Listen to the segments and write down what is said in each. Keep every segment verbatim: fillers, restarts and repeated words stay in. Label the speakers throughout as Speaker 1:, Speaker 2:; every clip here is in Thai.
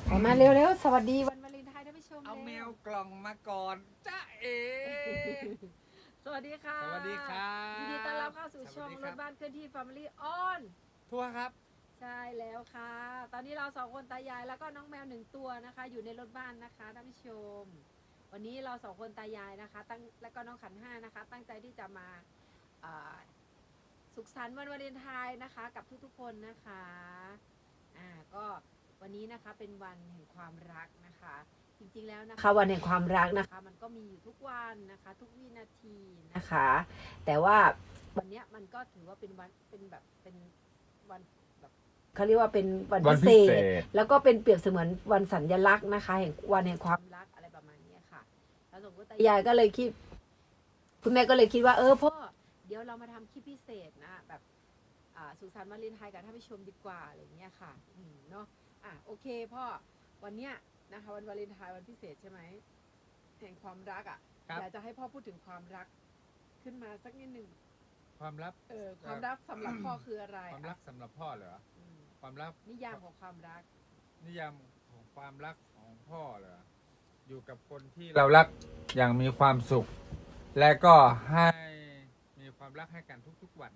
Speaker 1: ออกมาเร็วๆสวัสดีวันวาเลนไทน์ท่านผู้ชม
Speaker 2: เอาแม
Speaker 1: ร็
Speaker 2: วกล่องมาก่อนจ้าเอ
Speaker 1: สวัสดีค่ะ
Speaker 2: สวัสดีครับ
Speaker 1: ยินดีต้อนรับเข้าสู่
Speaker 2: ส
Speaker 1: ช่อ
Speaker 2: วั
Speaker 1: ง
Speaker 2: สดี
Speaker 1: ร
Speaker 2: ครั
Speaker 1: ถ
Speaker 2: บ
Speaker 1: บ้านเคลื่อนที่ Family on
Speaker 2: ทัวร์ครับ
Speaker 1: ใช่แล้วค่ะ ตอนนี้เราสองคนตายายแล้วก็น้องแมวหนึ่งตัวนะคะ อยู่ในรถบ้านนะคะท่านผู้ชม วันนี้เราสองคนตายายนะคะตั้งแล้วก็น้องขันห้านะคะ ตั้งใจที่จะมาอ่าสุขสันต์วันวาเลนไทน์นะคะ กับทุกๆคนนะคะอ่าก็วันนี้นะคะเป็นวันแห่งความรักนะคะ จริงๆแล้วนะคะวันแห่งความรักนะคะมันก็มีอยู่ทุกวันนะคะทุกวินาทีนะคะ แต่ว่าวันเนี้ยมันก็ถือว่าเป็นวันเป็นแบบเป็นวันแบบเขาเรียกว่าเป็นวันพิเศษแล้วก็เป็นเปรียบเสมือนวันสัญลักษณ์นะคะแห่งวันแห่งความรักอะไรประมาณนี้ค่ะแล้วสมมติตายายก็เลยคิดคุณแม่ก็เลยคิดว่าเออพ่อเดี๋ยวเรามาทำคลิปพิเศษนะแบบอ่าสุขสันต์วาเลนไทน์กับท่านผู้ชมดีกว่าอะไรอย่างเงี้ยค่ะอืมเนาะอ่ะโอเคพ่อวันเนี้ยนะคะวันวาเลนไทน์วันพิเศษใช่ไหมแห่งความรักอ่ะอยากจะให้พ่อพูดถึงความรักขึ้นมาสักนิดหนึ่ง
Speaker 2: ความลับ
Speaker 1: เออความรักสำหรับพ่อคืออะไร
Speaker 2: ความรักสำหรับพ่อเหรอ
Speaker 1: อืม
Speaker 2: ความรัก
Speaker 1: นิยามของความรัก
Speaker 2: นิยามของความรักของพ่อเหรออยู่กับคนที่เรารักอย่างมีความสุข และก็ให้มีความรักให้กันทุกๆวัน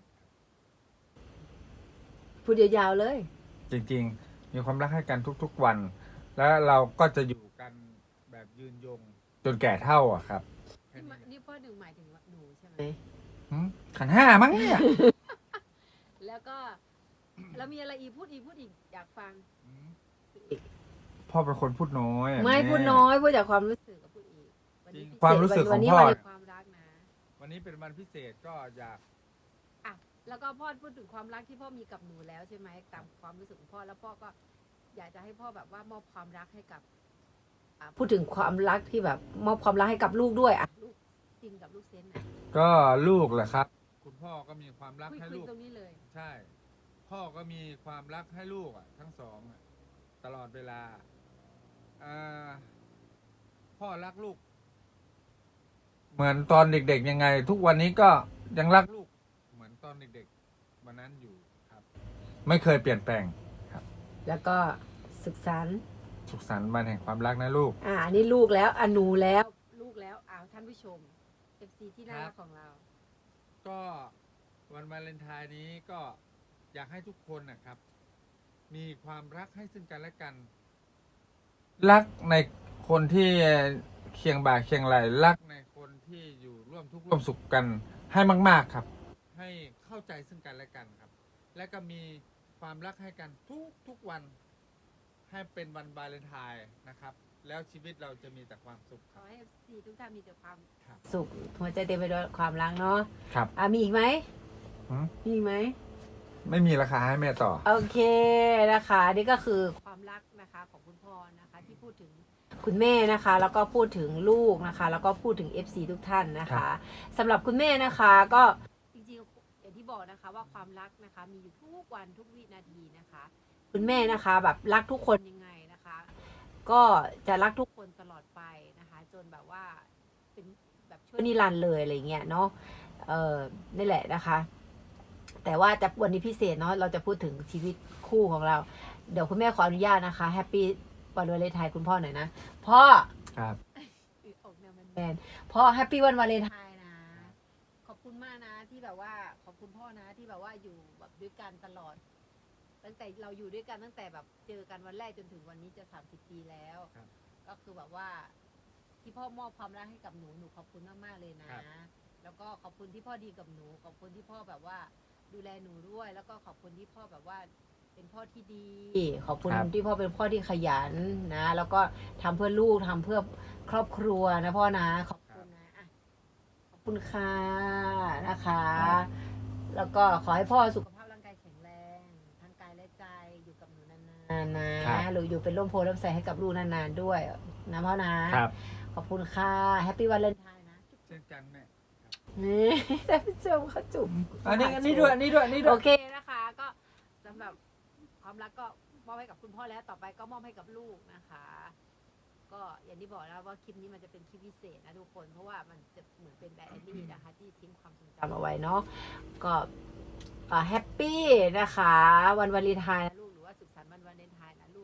Speaker 1: พูดยาวๆเลย
Speaker 2: จริงๆ มีความรักให้กันทุกๆวัน แล้วเราก็จะอยู่กันแบบยืนยงจนแก่เท่าอะครับแค่
Speaker 1: นี่
Speaker 2: นี้
Speaker 1: มานี่พ่อหนึ่งหมายถึงว่าหนูใช่ไหม
Speaker 2: หืมขันห้ามั้งเนี่ย
Speaker 1: แล้วก็แล้วมีอะไรอีกพูดอีกพูดอีกอยากฟัง
Speaker 2: อืมพ่อเป็นคนพูดน้อยอะ
Speaker 1: ไม่
Speaker 2: แ
Speaker 1: พูดน้อยพูดจากความรู้สึกกับพูดอีกวันนี้
Speaker 2: จริง
Speaker 1: พิเศษ
Speaker 2: ความรู้สึก
Speaker 1: วันนี้
Speaker 2: ของพ่อ
Speaker 1: วันแห่งความรักนะ
Speaker 2: วันนี้เป็นวันพิเศษก็อยาก
Speaker 1: อ่ะแล้วก็พ่อพูดถึงความรักที่พ่อมีกับหนูแล้วใช่ไหมตามความรู้สึกของพ่อแล้วพ่อก็อยากจะให้พ่อแบบว่ามอบความรักให้กับอ่ะพูดถึงความรักที่แบบมอบความรักให้กับลูกด้วยอ่ะลูกซินกับลูกเซนนะ
Speaker 2: ก็ลูกแหละครับ คุณพ่อก็มีความรัก
Speaker 1: คุย
Speaker 2: ให้
Speaker 1: คุย
Speaker 2: ลูก
Speaker 1: ตรงนี้เลย
Speaker 2: ใช่ พ่อก็มีความรักให้ลูกอ่ะ ทั้งสองอ่ะตลอดเวลาอ่าพ่อรักลูก เหมือนตอนเด็กๆยังไง ทุกวันนี้ก็ยังรักลูก เหมือนตอนเด็กๆวันนั้นอยู่ครับ ไม่เคยเปลี่ยนแปลง
Speaker 1: แล้วก็ศึกษา
Speaker 2: สุขสันต์วันแห่งความรักนะลูก
Speaker 1: อ่าอันนี้ลูกแล้วอันหนูแล้วลูกแล้วอ้าวท่านผู้ชม เอฟ ซี ที่น่ารักของเรา
Speaker 2: ก็วันวาเลนไทน์นี้ก็อยากให้ทุกคนนะครับ มีความรักให้ซึ่งกันและกัน รักในคนที่เคียงบ่าเคียงไหลรักในคนที่อยู่ร่วมทุกข์ร่วมสุขกันให้มาก ๆครับ ให้เข้าใจซึ่งกันและกันครับ และก็มีความรักให้กันทุกทุกวัน ให้เป็นวันวาเลนไทน์นะครับ แล้วชีวิตเราจะมีแต่ความสุข
Speaker 1: ข
Speaker 2: ค
Speaker 1: อ
Speaker 2: รับ
Speaker 1: ให้ เอฟ ซี ทุกท่านมีแต่ความ
Speaker 2: ครับ
Speaker 1: สุขหัวใจเต็มไปด้วยความรักเนาะ
Speaker 2: ครับ
Speaker 1: อ่ะมีอีกไหม
Speaker 2: หืม
Speaker 1: มีอีกไหม
Speaker 2: ไม่มีราคาให้แม่ต่อ
Speaker 1: โอเคนะคะนี่ก็คือความรักนะคะของคุณพ่อนะคะที่พูดถึงคุณแม่นะคะ แล้วก็พูดถึงลูกนะคะ แล้วก็พูดถึง เอฟ ซี ทุกท่านนะคะสำหรับคุณแม่นะคะก็จริงๆอย่างที่บอกนะคะว่าความรักนะคะมีอยู่ทุกวันทุกวินาทีนะคะ คุณแม่นะคะแบบรักทุกคนยังไงนะคะ ก็จะรักทุกคนตลอดไปนะคะ จนแบบว่าเป็นแบบชั่วนิรันดร์เลยอะไรเงี้ยเนาะเออนี่แหละนะคะ แต่ว่าจะวันนี้พิเศษเนาะเราจะพูดถึงชีวิตคู่ของเรา เดี๋ยวคุณแม่ขออนุญาตนะคะแฮปปี้วันวาเลนไทน์คุณพ่อหน่อยนะพ่อ
Speaker 2: ครับ
Speaker 1: ออกแนวแมนๆพ่อแฮปปี้วันวาเลนไทน์นะ ขอบคุณมากนะที่แบบว่าขอบคุณพ่อนะที่แบบว่าอยู่แบบด้วยกันตลอด ตั้งแต่เราอยู่ด้วยกันตั้งแต่แบบเจอกันวันแรกจนถึงวันนี้จะสามสิบปีแล้ว
Speaker 2: ครับ
Speaker 1: ก็คือแบบว่า ที่พ่อมอบความรักให้กับหนูหนูขอบคุณมากๆเลยนะ แล้วก็ขอบคุณที่พ่อดีกับหนูขอบคุณที่พ่อแบบว่าดูแลหนูด้วย แล้วก็ขอบคุณที่พ่อแบบว่าเป็นพ่อที่ดี ขอบคุณ
Speaker 2: ครับ
Speaker 1: ที่พ่อเป็นพ่อที่ขยันนะ แล้วก็ทำเพื่อลูกทำเพื่อครอบครัวนะพ่อนะขอบคุณนะอ่ะขอบคุณค่ะนะคะ แล้วก็ขอให้พ่อสุขภาพร่างกายแข็งแรงทั้งกายและใจอยู่กับหนูนานๆนะครับ หรืออยู่เป็นร่มโพล่มใสให้กับลูกนานๆด้วยนะพ่อนะครับ ขอบคุณค่ะแฮปปี้วันเลนไทน์นะ
Speaker 2: เช่นกันแม่
Speaker 1: นี่ท่านผู้ชมเขาจุ่ม
Speaker 2: อันนี้อันนี้ด้วยอันนี้ด้วยอันนี้ด้
Speaker 1: โอ
Speaker 2: วย
Speaker 1: เคนะคะ ก็สำหรับความรักก็มอบให้กับคุณพ่อแล้วต่อไปก็มอบให้กับลูกนะคะ ก็อย่างที่บอกแล้วว่าคลิปนี้มันจะเป็นคลิปพิเศษนะทุกคนเพราะว่ามันจะเหมือนเป็นไดอารี่นะคะ ที่ทิ้งความทรงจำเอาไว้เนาะก็แฮปปี้นะคะ วันวาเลนไทน์นะลูกหรือว่าสุขสันต์วันวาเลนไทน์นะลูก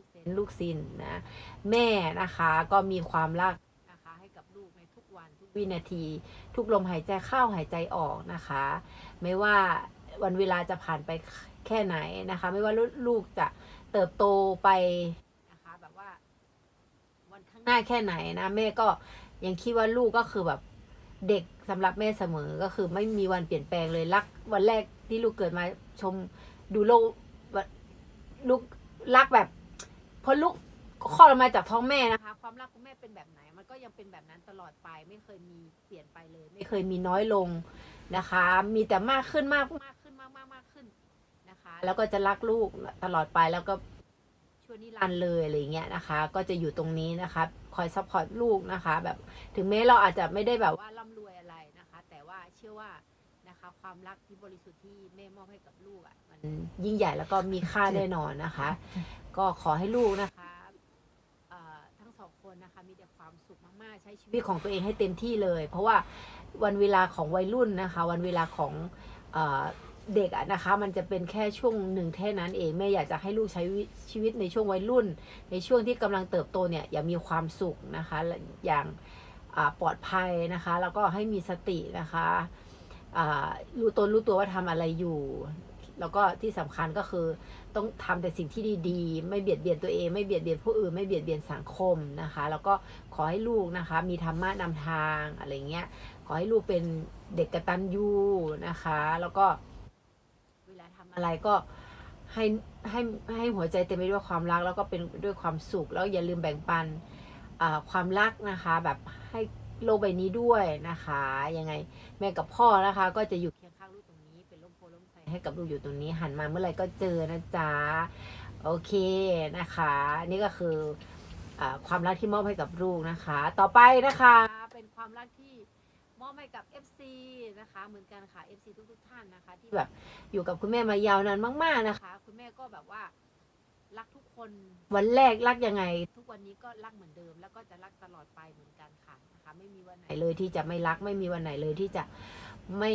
Speaker 1: เซนต์ลูกซินนะแม่นะคะก็มีความรักนะคะให้กับลูกในทุกวันทุกวินาที ทุกลมหายใจเข้าหายใจออกนะคะ ไม่ว่าวันเวลาจะผ่านไปแค่ไหนนะคะ ไม่ว่าลูกจะเติบโตไปนะคะแบบว่าวันข้างหน้าแค่ไหนนะแม่ก็ยังคิดว่าลูกก็คือแบบเด็กสำหรับแม่เสมอก็คือไม่มีวันเปลี่ยนแปลงเลยรักวันแรกที่ลูกเกิดมาชมดูโลกลูกรักแบบพอลูกคลอดออกมาจากท้องแม่นะคะความรักของแม่เป็นแบบไหนมันก็ยังเป็นแบบนั้นตลอดไปไม่เคยมีเปลี่ยนไปเลยไม่เคยมีน้อยลงนะคะ มีแต่มากขึ้นมากมากขึ้นมากมากมากขึ้นนะคะแล้วก็จะรักลูกตลอดไปแล้วก็ช่วยนิรันดร์เลยอะไรเงี้ยนะคะ ก็จะอยู่ตรงนี้นะคะคอยซัพพอร์ตลูกนะคะแบบถึงแม้เราอาจจะไม่ได้แบบว่าร่ำรวยอะไรนะคะ แต่ว่าเชื่อว่านะคะความรักที่บริสุทธิ์ที่แม่มอบให้กับลูกอ่ะมันยิ่งใหญ่แล้วก็มีค่าแน่นอนนะคะ ก็ขอให้ลูกนะคะทั้งสองคนนะคะมีแต่ความสุขมากๆใช้ชีวิตของตัวเองให้เต็มที่เลย เพราะว่าวันเวลาของวัยรุ่นนะคะ วันเวลาของเอ่อเด็กอะนะคะมันจะเป็นแค่ช่วงหนึ่งแค่นั้นเองแม่อยากจะให้ลูกใช้ชีวิตในช่วงวัยรุ่น ในช่วงที่กำลังเติบโตเนี่ยอย่ามีความสุขนะคะอย่างปลอดภัยนะคะแล้วก็ให้มีสตินะคะรู้ตนรู้ตัวว่าทำอะไรอยู่แล้วก็ที่สำคัญก็คือต้องทำแต่สิ่งที่ดีๆไม่เบียดเบียนตัวเองไม่เบียดเบียนผู้อื่นไม่เบียดเบียนสังคมนะคะแล้วก็ขอให้ลูกนะคะมีธรรมะนำทางอะไรเงี้ยขอให้ลูกเป็นเด็กกตัญญูนะคะแล้วก็เวลาทำอะไรก็ให้ให้ให้หัวใจเต็มไปด้วยความรักแล้วก็เป็นด้วยความสุขแล้วอย่าลืมแบ่งปันความรักนะคะแบบให้โลกใบนี้ด้วยนะคะยังไงแม่กับพ่อนะคะก็จะอยู่เคียงข้างลูกตรงนี้เป็นร่มโพล่มไทรให้กับลูกอยู่ตรงนี้หันมาเมื่อไหร่ก็เจอนะจ๊ะโอเคนะคะนี่ก็คืออความรักที่มอบให้กับลูกนะคะต่อไปนะคะเป็นความรักที่มอบให้กับ เอฟ ซี นะคะเหมือนกันค่ะ เอฟ ซี ทุกๆท่านนะคะที่แบบอยู่กับคุณแม่มายาวนานมากๆนะคะคุณแม่ก็แบบว่ารักทุกคนวันแรกรักยังไงทุกวันนี้ก็รักเหมือนเดิมแล้วก็จะรักตลอดไปเหมือนกันค่ะนะคะไม่มีวันไหนเลยที่จะไม่รักไม่มีวันไหนเลยที่จะไม่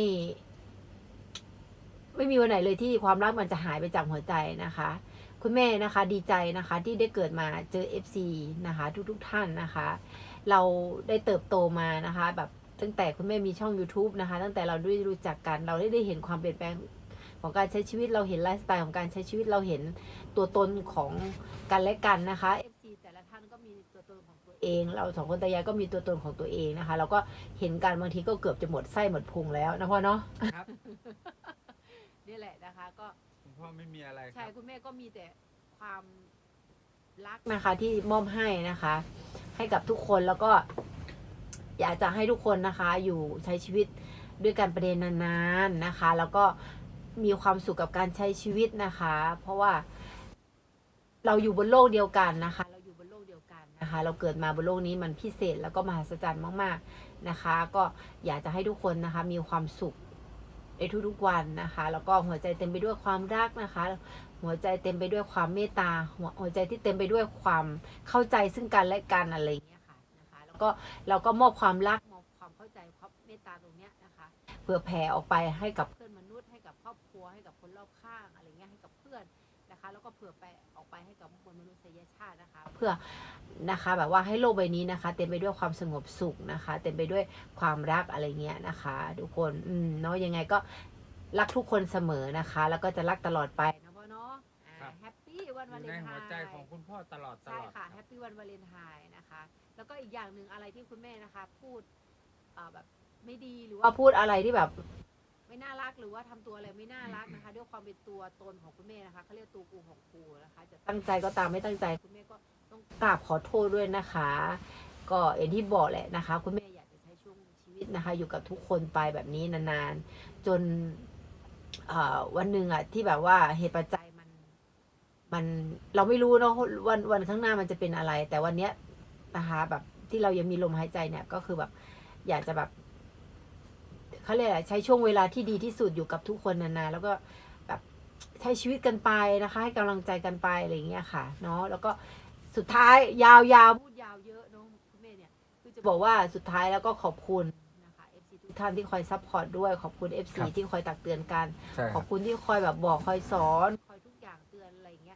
Speaker 1: ไม่มีวันไหนเลยที่ความรักมันจะหายไปจากหัวใจนะคะคุณแม่นะคะดีใจนะคะที่ได้เกิดมาเจอ เอฟ ซี นะคะทุกๆท่านนะคะเราได้เติบโตมานะคะแบบตั้งแต่คุณแม่มีช่อง YouTube นะคะตั้งแต่เราได้รู้จักกันเราได้ได้เห็นความเปลี่ยนแปลงของการใช้ชีวิตเราเห็นไลฟ์สไตล์ของการใช้ชีวิตเราเห็นตัวตนของกันและกันนะคะ เอฟ ซี แต่ละท่านก็มีตัวตนของตัวเองเราสองคนตายายก็มีตัวตนของตัวเองนะคะเราก็เห็นกันบางทีก็เกือบจะหมดไส้หมดพุงแล้วนะพ่อเนาะครับนี่แหละนะคะก็
Speaker 2: คุณพ่อไม่มีอะไร
Speaker 1: ใช่คุณแม่ก็มีแต่ความรักนะคะที่มอบให้นะคะให้กับทุกคนแล้วก็อยากจะให้ทุกคนนะคะอยู่ใช้ชีวิตด้วยกันประเด็นนานๆนะคะแล้วก็มีความสุขกับการใช้ชีวิตนะคะเพราะว่าเราอยู่บนโลกเดียวกันนะคะเราอยู่บนโลกเดียวกันนะคะเราเกิดมาบนโลกนี้มันพิเศษแล้วก็มหัศจรรย์มากๆนะคะก็อยากจะให้ทุกคนนะคะมีความสุขในทุกๆวันนะคะแล้วก็หัวใจเต็มไปด้วยความรักนะคะหัวใจเต็มไปด้วยความเมตตาหัวใจที่เต็มไปด้วยความเข้าใจซึ่งกันและกันอะไรอย่างเงี้ยค่ะนะคะแล้วก็เราก็มอบความรักมอบความเข้าใจความเมตตาตรงเนี้ยนะคะเพื่อแผ่ออกไปให้กับเพื่อนมนุษย์ให้กับครอบครัวให้กับคนรอบข้างอะไรเงี้ยให้กับเพื่อนนะคะแล้วก็เผื่อไปออกไปให้กับมวลมนุษยชาตินะคะเพื่อนะคะแบบว่าให้โลกใบนี้นะคะเต็มไปด้วยความสงบสุขนะคะเต็มไปด้วยความรักอะไรเงี้ยนะคะทุกคนอืมเนาะยังไงก็รักทุกคนเสมอนะคะแล้วก็จะรักตลอดไปนะพ่อเนาะแฮปปี้วันวาเลนไทน์ในหัวใจ
Speaker 2: ของคุณพ่อตลอดตลอด
Speaker 1: ใช่ค่ะแฮปปี้วันวาเลนไทน์นะคะแล้วก็อีกอย่างหนึ่งอะไรที่คุณแม่นะคะพูดแบบไม่ดีหรือว่าพูดอะไรที่แบบไม่น่ารักหรือว่าทำตัวอะไรไม่น่ารักนะคะด้วยความเป็นตัวตนของคุณแม่นะคะเขาเรียกตัวกูของกูนะคะจะตั้งใจก็ตามไม่ตั้งใจคุณแม่ก็ต้องกราบขอโทษด้วยนะคะก็อย่างที่บอกแหละนะคะคุณแม่อยากจะใช้ช่วงชีวิตนะคะอยู่กับทุกคนไปแบบนี้นานๆจนวันหนึ่งอ่ะที่แบบว่าเหตุปัจจัยมันมันเราไม่รู้เนาะวันวันข้างหน้ามันจะเป็นอะไรแต่วันเนี้ยนะคะแบบที่เรายังมีลมหายใจเนี่ยก็คือแบบอยากจะแบบเขาเรียกอะไรใช้ช่วงเวลาที่ดีที่สุดอยู่กับทุกคนนานๆแล้วก็แบบใช้ชีวิตกันไปนะคะให้กำลังใจกันไปอะไรอย่างเงี้ยค่ะเนาะแล้วก็สุดท้ายยาวๆพูดยาวเยอะเนาะคุณแม่เนี่ยคือจะบอกว่าสุดท้ายแล้วก็ขอบคุณนะคะ เอฟ ซี ทุกท่านที่คอยซัพพอร์ตด้วยขอบคุณ เอฟ ซี ที่คอยตักเตือนกันขอบคุณที่คอยแบบบอกคอยสอนคอยทุกอย่างเตือนอะไรอย่างเงี้ยคุณแม่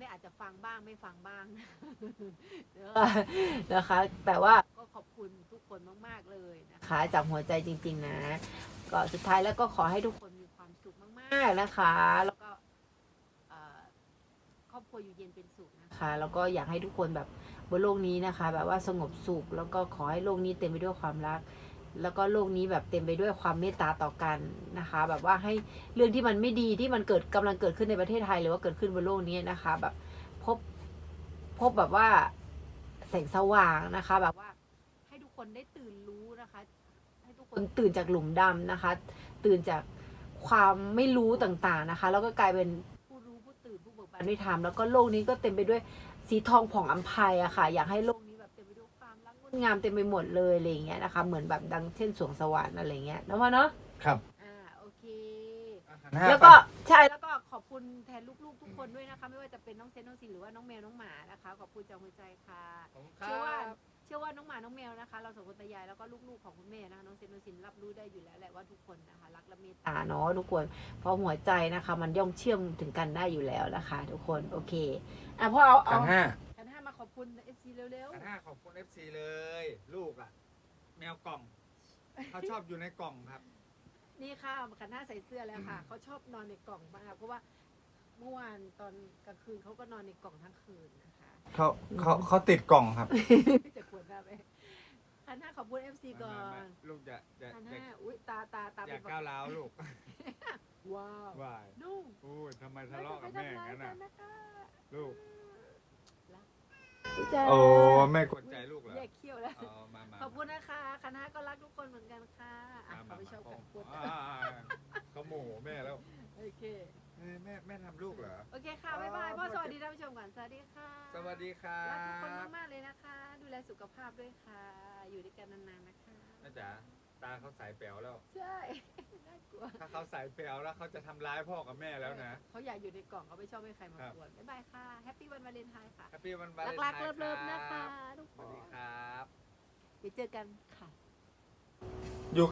Speaker 1: ม่อาจจะฟังบ้างไม่ฟังบ้าง นะคะ แต่ว่าก็ขอบคุณทุกคนมากๆเลยนะคะจากหัวใจจริงๆนะก็สุดท้ายแล้วก็ขอให้ทุกคนมีความสุขมากๆนะคะ แล้วก็เอ่อครอบครัวอยู่เย็นเป็นสุขนะคะแล้วก็อยากให้ทุกคนแบบบนโลกนี้นะคะ แบบว่าสงบสุขแล้วก็ขอให้โลกนี้เต็มไปด้วยความรัก แล้วก็โลกนี้แบบเต็มไปด้วยความเมตตาต่อกันนะคะ แบบว่าให้เรื่องที่มันไม่ดีที่มันเกิดกำลังเกิดขึ้นในประเทศไทยหรือว่าเกิดขึ้นบนโลกนี้นะคะ แบบพบพบแบบว่าแสงสว่างนะคะ แบบว่าให้ทุกคนได้ตื่นรู้นะคะ ให้ทุกคนตื่นจากหลุมดำนะคะ ตื่นจากความไม่รู้ต่างๆนะคะ แล้วก็กลายเป็นผู้รู้ผู้ตื่นผู้เบิกบานด้วยธรรมแล้วก็โลกนี้ก็เต็มไปด้วยสีทองผ่องอัมภัยอะค่ะ อยากให้โลกนี้แบบเต็มไปด้วยความรักงดงามเต็มไปหมดเลยอะไรอย่างเงี้ยนะคะ เหมือนแบบดังเช่นสวงสวรรค์อะไรเงี้ยนะพ่อเนาะ
Speaker 2: ครับ
Speaker 1: อ่าโอเค
Speaker 2: อาหารห้า
Speaker 1: แล้วก็
Speaker 2: ไป
Speaker 1: ใช่แล้วก็ขอบคุณแทนลูกๆทุกคนด้วยนะคะ ไม่ว่าจะเป็นน้องเซนน้องซินหรือว่าน้องแมวน้องหมานะคะ ขอบคุณจากหัวใจค่ะ
Speaker 2: ผมค
Speaker 1: เชื่อว่า
Speaker 2: รับ
Speaker 1: เชื่อว่าน้องหมาน้องแมวนะคะ เราสองคนตายายแล้วก็ลูกๆของคุณแม่นะคะน้องเซนน้องซินรับรู้ได้อยู่แล้วแหละว่าทุกคนนะคะรักและเมตตาเนาะทุกคนเพราะหัวใจนะคะ มันย่อมเชื่อมถึงกันได้อยู่แล้วนะคะ ทุกคนโอเคอ่ะพ่อเอา
Speaker 2: ขั
Speaker 1: เอา
Speaker 2: นห้า
Speaker 1: ขันห้ามาขอบคุณเอฟซีเร็ว
Speaker 2: ขันห้าขอบคุณ เอฟ ซี เลย ลูกอ่ะ แมวกล่อง เขาชอบอยู่ในกล่องครับ
Speaker 1: ๆนี่ค่ะขันห้าใส่เสื้อแล้วค่ะเขาชอบนอนในกล่องมากเพราะว่าเมื่อวานตอนกลางคืนเขาก็นอนในกล่องทั้งคืนนะคะ
Speaker 2: เขาเขาเขาติดกล่องครับ
Speaker 1: จะควรได้ไหมขันห้าขอบคุณเอฟซีก่อ
Speaker 2: ไม่
Speaker 1: น
Speaker 2: ไม่ลูกจะจะ
Speaker 1: ขัน
Speaker 2: จะ
Speaker 1: ห้าอุ้ยตาตาตา
Speaker 2: อย่า
Speaker 1: เป็น
Speaker 2: ก้าวร้าวลูก
Speaker 1: ว้าว
Speaker 2: วาย
Speaker 1: นุ่ม
Speaker 2: โอ้ยทำไมทะเลาะกับแม่อย่างนั้นน่ะ
Speaker 1: นะคะ
Speaker 2: ลูก
Speaker 1: จ้า
Speaker 2: โอ้แม่กดใจลูกเหรอ
Speaker 1: แยกเขี้ยวแล้ว
Speaker 2: อ๋อมามา
Speaker 1: ขอบคุณนะคะคณะก็รักทุกคนเหมือนกันค่ะอ่ะ
Speaker 2: มา
Speaker 1: เขาไปชอบกัน
Speaker 2: มา
Speaker 1: พูด
Speaker 2: อ่าเขาโมโหแม่แล้ว
Speaker 1: โอเค
Speaker 2: เฮ้ยแม่แม่ทำลูกเหรอ
Speaker 1: โอเคค่ะ บ๊ายบาย พ่อสวัสดีท่านผู้ชมก่อน สวัสดีค่ะ
Speaker 2: สวัสดีครั
Speaker 1: รักทุกคน
Speaker 2: บ
Speaker 1: มากๆเลยนะคะ ดูแลสุขภาพด้วยค่ะ อยู่ด้วยกันนานๆนะคะ
Speaker 2: แม่จ๋าตาเขาสายแป๋วแล้ว
Speaker 1: ใช่ น่ากลัว
Speaker 2: ถ้าเขาสายแป๋วแล้วเขาจะทำร้ายพ่อกับแม่แล้วนะ
Speaker 1: เขาอยากอยู่ในกล่องเขาไม่ชอบให้ใครมา
Speaker 2: ครับ
Speaker 1: กวนบ๊ายบายค่ะ แฮปปี้วันวาเลนไทน์ค่ะ
Speaker 2: แฮปปี้วันวาเลนไทน์
Speaker 1: รักๆเลิฟๆนะคะ
Speaker 2: รับ
Speaker 1: ทุก
Speaker 2: ส
Speaker 1: ค
Speaker 2: วัส
Speaker 1: น
Speaker 2: ดีครับ
Speaker 1: ไปเจอกันค่ะ